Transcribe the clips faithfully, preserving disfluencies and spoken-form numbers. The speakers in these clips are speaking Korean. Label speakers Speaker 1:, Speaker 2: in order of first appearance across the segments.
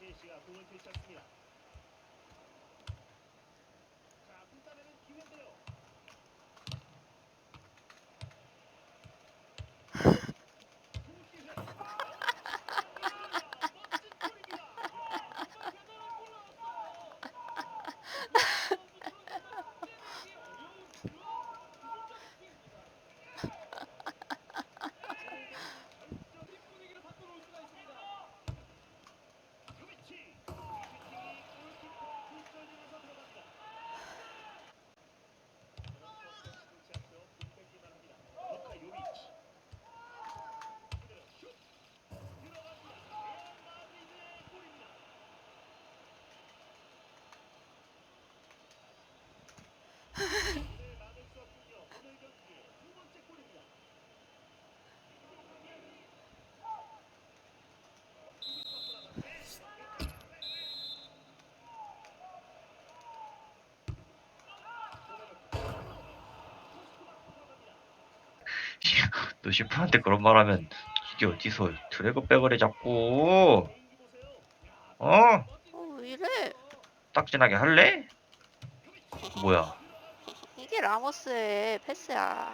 Speaker 1: 너 슈퍼한테 그런 말 하면 이게 어디서 드래그백을 해 자꾸. 어?
Speaker 2: 어, 왜 이래?
Speaker 1: 딱진하게 할래? 뭐야?
Speaker 2: 이게 라모스의 패스야.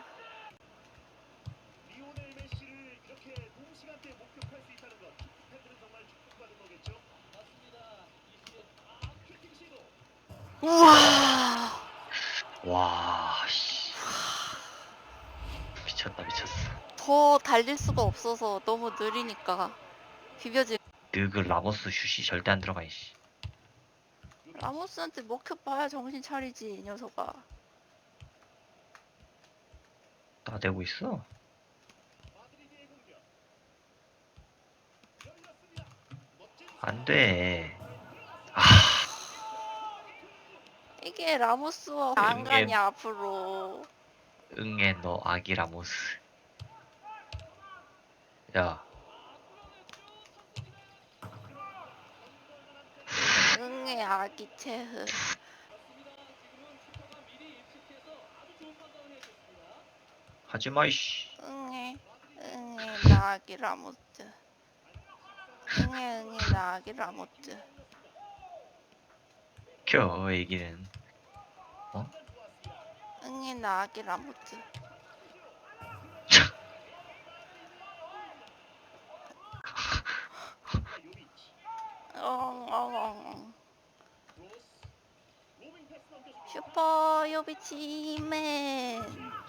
Speaker 2: 우와.
Speaker 1: 와, 씨. 미쳤다, 미쳤어.
Speaker 2: 더 달릴 수가 없어서 너무 느리니까 비벼지.
Speaker 1: 느그 라모스 슛이 절대 안 들어가, 이씨.
Speaker 2: 라모스한테 먹혀봐야 정신 차리지, 이 녀석아.
Speaker 1: 나대고 있어. 안 돼. 아,
Speaker 2: 이게 라모스와 안 가냐 앞으로.
Speaker 1: 응애 너 아기 라모스. 야,
Speaker 2: 응애 아기 체흐.
Speaker 1: 하지마, 이씨.
Speaker 2: 응애 응애 나 아기 라모스. 응애 응애 나 아기 라모스.
Speaker 1: 켜, 애기는.
Speaker 2: 응애 나 아기 라모스. 엉엉엉. 슈퍼 요비치맨.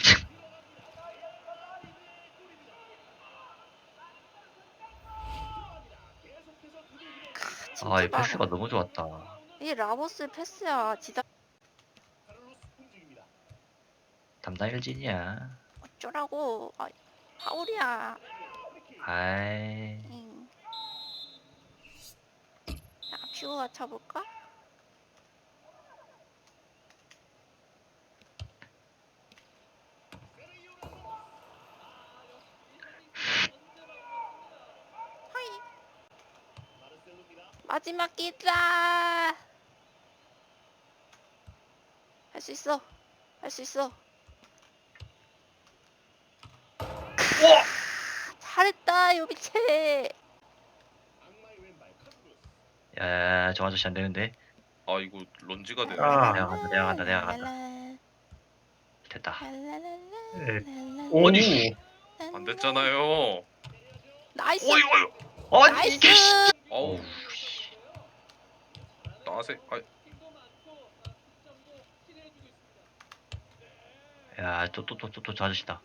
Speaker 1: 아, 이
Speaker 2: 진짜
Speaker 1: 패스가
Speaker 2: 많아.
Speaker 1: 너무 좋았다.
Speaker 2: 이게 라모스의 패스야. 지다
Speaker 1: 담당 일진이야.
Speaker 2: 어쩌라고. 아, 하울이야.
Speaker 1: 아이,
Speaker 2: 응. 자, 퓨어가 쳐볼까? 하이. 마지막 기자. 할 수 있어. 할 수 있어. 잘했다, 요비체.
Speaker 1: 야, 저 아저씨 안 되는데.
Speaker 3: 아 이거 런지가 되네.
Speaker 4: 아.
Speaker 1: 내가 간다, 내가 간다, 내가 간다.
Speaker 2: 랄랄라,
Speaker 1: 됐다.
Speaker 2: 랄랄랄라, 랄랄라.
Speaker 4: 오.
Speaker 3: 아니, 안 됐잖아요.
Speaker 2: 나이스.
Speaker 1: 어이, 어이. 아니,
Speaker 2: 나이스.
Speaker 1: 이게, 씨.
Speaker 3: 아우
Speaker 1: 어우, 씨.
Speaker 3: 나세. 아
Speaker 1: 야, 또, 또, 또, 또, 또, 저 아저씨다.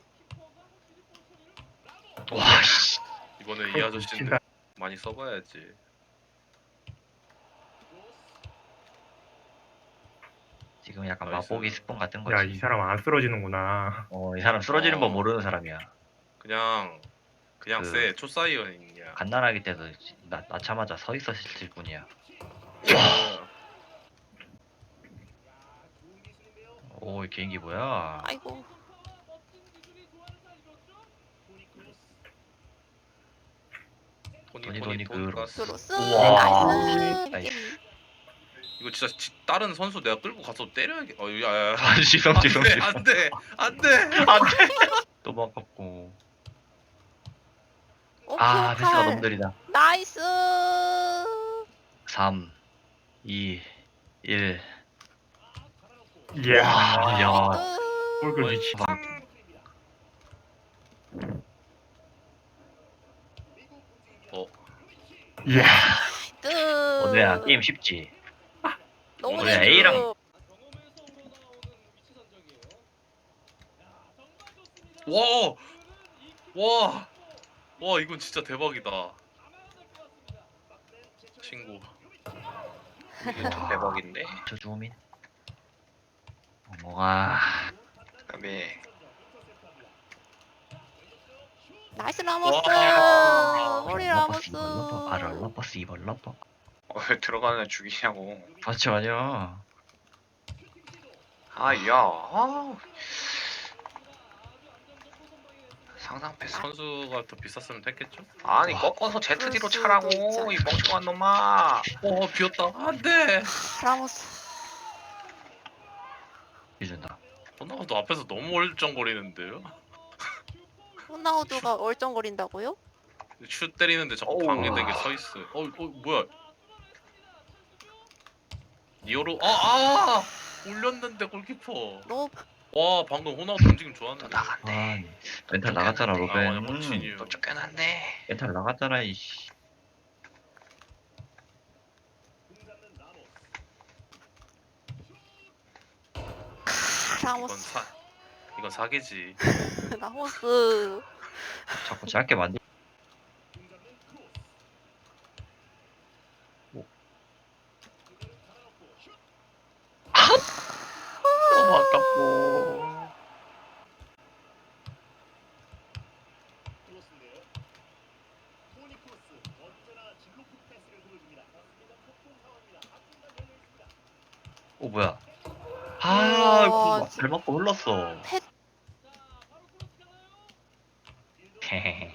Speaker 1: 와, 씨.
Speaker 3: 이번에 이 아저씨인데 많이 써봐야지.
Speaker 1: 지금 약간
Speaker 3: 나이스.
Speaker 1: 맛보기 스폰 같은
Speaker 4: 야,
Speaker 1: 거지.
Speaker 4: 이 사람 안 쓰러지는구나.
Speaker 1: 어, 이 사람 쓰러지는
Speaker 3: 어.
Speaker 1: 법 모르는 사람이야.
Speaker 3: 그냥 그냥
Speaker 1: 그-
Speaker 3: 쎄 초사이언이야.
Speaker 1: 갓난아기 때도 나, 낳자마자 서 있었을 뿐이야.
Speaker 3: 와.
Speaker 1: 오, 이 개인기 뭐야?
Speaker 2: 아이고.
Speaker 3: 토니
Speaker 1: 토니,
Speaker 3: 토니
Speaker 1: 토니, 그
Speaker 3: 돈가스.
Speaker 2: 크로스.
Speaker 1: 우와.
Speaker 2: 나이스.
Speaker 1: 나이스.
Speaker 3: 이거 진짜 지- 다른 선수 내가 끌고 가서 때려야겠. 어, 야야.
Speaker 1: 아, 지성, 지성, 지성.
Speaker 3: 안돼 안돼.
Speaker 1: 또 바꿨고.
Speaker 2: 오,
Speaker 1: 아, 패스가
Speaker 2: 피오칼.
Speaker 1: 너무 느리다.
Speaker 2: 나이스.
Speaker 1: 삼, 이, 일.
Speaker 4: 이야.
Speaker 1: 와, 야.
Speaker 2: 으,
Speaker 4: 골글
Speaker 3: 어이,
Speaker 4: 미치.
Speaker 3: 어
Speaker 4: 이야.
Speaker 2: 뜨.
Speaker 1: 오늘야 게임 쉽지.
Speaker 2: 너무
Speaker 3: 오늘야
Speaker 2: 재밌어.
Speaker 1: A랑
Speaker 3: 와! 와! 와 이건 진짜 대박이다. 친구.
Speaker 5: 이게 좀 대박인데.
Speaker 1: 저 주민. 뭐가
Speaker 5: 그다음에
Speaker 2: 나이스 라모스.
Speaker 3: 와.
Speaker 2: 우리
Speaker 1: 러버스
Speaker 2: 라모스.
Speaker 1: 이번 러버 아 러버스 이번 러버.
Speaker 5: 어, 왜 들어가는 애 죽이냐고.
Speaker 1: 맞지 맞아.
Speaker 5: 아, 야. 아. 상상 패스.
Speaker 3: 선수가 더 비쌌으면 됐겠죠?
Speaker 5: 아니
Speaker 1: 와.
Speaker 5: 꺾어서
Speaker 2: 그럴
Speaker 5: 제트디로
Speaker 2: 수도
Speaker 5: 차라고
Speaker 2: 있잖아.
Speaker 5: 이 멍청한 놈아.
Speaker 3: 어 비었다. 안돼.
Speaker 2: 라모스.
Speaker 1: 해준다.
Speaker 3: 호나우도 앞에서 너무 얼쩡거리는데요?
Speaker 2: 호나우두가 얼쩡거린다고요?
Speaker 3: 슛 때리는데 자꾸
Speaker 5: 어우.
Speaker 3: 방해되게 서 있어. 어, 어 뭐야? 니어로 아 아! 올렸는데 골키퍼.
Speaker 2: 너
Speaker 3: 와 방금 호나우도 움직임
Speaker 5: 또
Speaker 3: 좋았는데.
Speaker 5: 나간대.
Speaker 1: 아, 멘탈 나갔잖아
Speaker 3: 아 맞아
Speaker 1: 로벤.
Speaker 3: 버치니요.
Speaker 5: 또 쫓겨났네.
Speaker 1: 멘탈 나갔잖아 이씨.
Speaker 3: 이건
Speaker 2: 라모스.
Speaker 3: 사 이건 사기지.
Speaker 2: 라모스.
Speaker 1: 자꾸 짧게 만들. 너무 아깝고. 오 뭐야? 아,
Speaker 2: 우와,
Speaker 1: 이거 막
Speaker 2: 진짜.
Speaker 1: 발 맞고 흘렀어.
Speaker 2: 펫.
Speaker 1: 헤헤헤.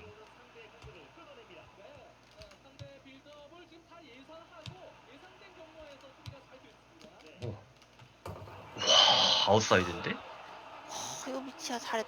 Speaker 1: 오. 와, 아웃사이드인데?
Speaker 2: 어, 이거 미치야 잘했다.